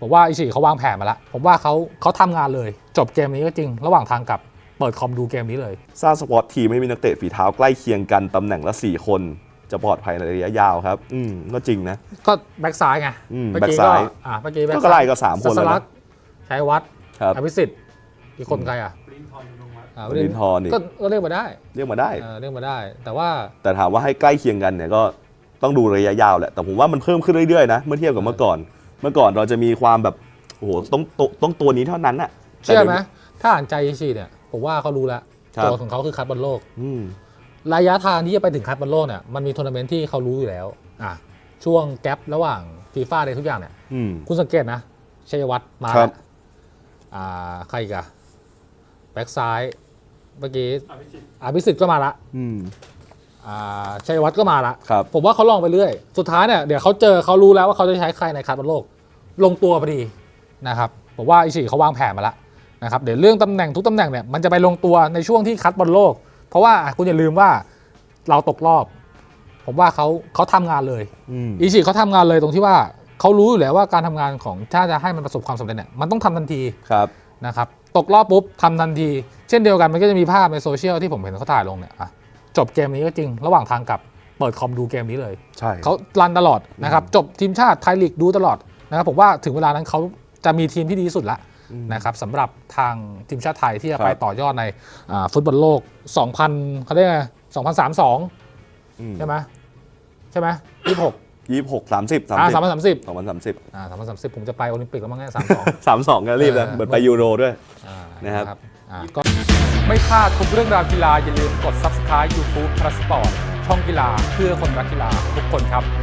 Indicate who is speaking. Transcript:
Speaker 1: ผมว่าอิชิเขาวางแผนมาแล้วผมว่าเขาทำงานเลยจบเกมนี้ก็จริงระหว่างทางกลับเปิดคอมดูเกมนี้เลย
Speaker 2: สร้างสควอตทีมให้มีนักเตะฝีเท้าใกล้เคียงกันตำแหน่งละ4คนจะปลอดภัยในระยะยาวครับก็จริงนะ
Speaker 1: ก็แบ็กซ้ายไง
Speaker 2: แบ็กซ้าย
Speaker 1: เมื่อกี้
Speaker 2: ก็ไล่ก็3คนแล้ว
Speaker 1: ชัยวัฒน์อภิสิทธิ์อีกคนใคร
Speaker 2: วรินทร์นี่
Speaker 1: ก็เรียกมาได้
Speaker 2: เรียกมาได้
Speaker 1: แต่
Speaker 2: ถามว่าให้ใกล้เคียงกันเนี่ยก็ต้องดูระยะยาวแหละแต่ผมว่ามันเพิ่มขึ้นเรื่อยๆนะเมื่อเทียบกับเมื่อก่อนเราจะมีความแบบโอ้โหต้องตัวนี้เท่านั้นน่ะ
Speaker 1: เชื่อไหมถ้าอ่านใจอิชิเนี่ยผมว่าเขารู้แล้วตัวของเขาคือคัดบอลโลกระยะทางที่จะไปถึงคัดบอลโลกเนี่ยมันมีทัวร์นาเมนต์ที่เขารู้อยู่แล้วช่วงแกประหว่างฟีฟ่าอะไรทุกอย่างเนี่ยคุณสังเกตนะชัยวัฒน์มาแล้วใครกันแบ็กซ้ายเมื่อกี้อภิสิทธิ์ก็มาละชัยวัฒน์ก็มาละผมว่าเขาลองไปเรื่อยสุดท้ายเนี่ยเดี๋ยวเขารู้แล้วว่าเขาจะใช้ใครในคัดบอลโลกลงตัวพอดีนะครับผมว่าอิชิเขาวางแผนมาแล้วนะครับเดี๋ยวเรื่องตำแหน่งทุกตำแหน่งเนี่ยมันจะไปลงตัวในช่วงที่คัดบอลโลกเพราะว่าคุณอย่าลืมว่าเราตกรอบผมว่าเขาทำงานเลยอิชิเขาทำงานเลยตรงที่ว่าเขารู้อยู่แล้วว่าการทำงานของถ้าจะให้มันประสบความสำเร็จเนี่ยมันต้องทำทันทีนะครับตกรอบปุ๊บทำทันทีเช่นเดียวกันมันก็จะมีภาพในโซเชียลที่ผมเห็นเขาถ่ายลงเนี่ยจบเกมนี้ก็จริงระหว่างทางกลับเปิดคอมดูเกมนี้เลย
Speaker 2: ใช่
Speaker 1: เขารันตลอดนะครับจบทีมชาติไทยลีกดูตลอดนะครับผมว่าถึงเวลานั้นเขาจะมีทีมที่ดีที่สุดละนะครับสำหรับทางทีมชาติไทยที่จะไปต่อยอดในฟุตบอลโลก 2000เขาเรียกไง2032ใช่ไหม2030 ผมจะไปโอลิมปิกแล้วมั้งเนี่ย
Speaker 2: 32ก็รีบนะเหมือนไปยูโรด้วยนะครับ
Speaker 1: ก็ไม่พลาดทุกเรื่องราวกีฬาอย่าลืมกด Subscribe YouTube Plus Sport ช่องกีฬาเพื่อคนรักกีฬาทุกคนครับ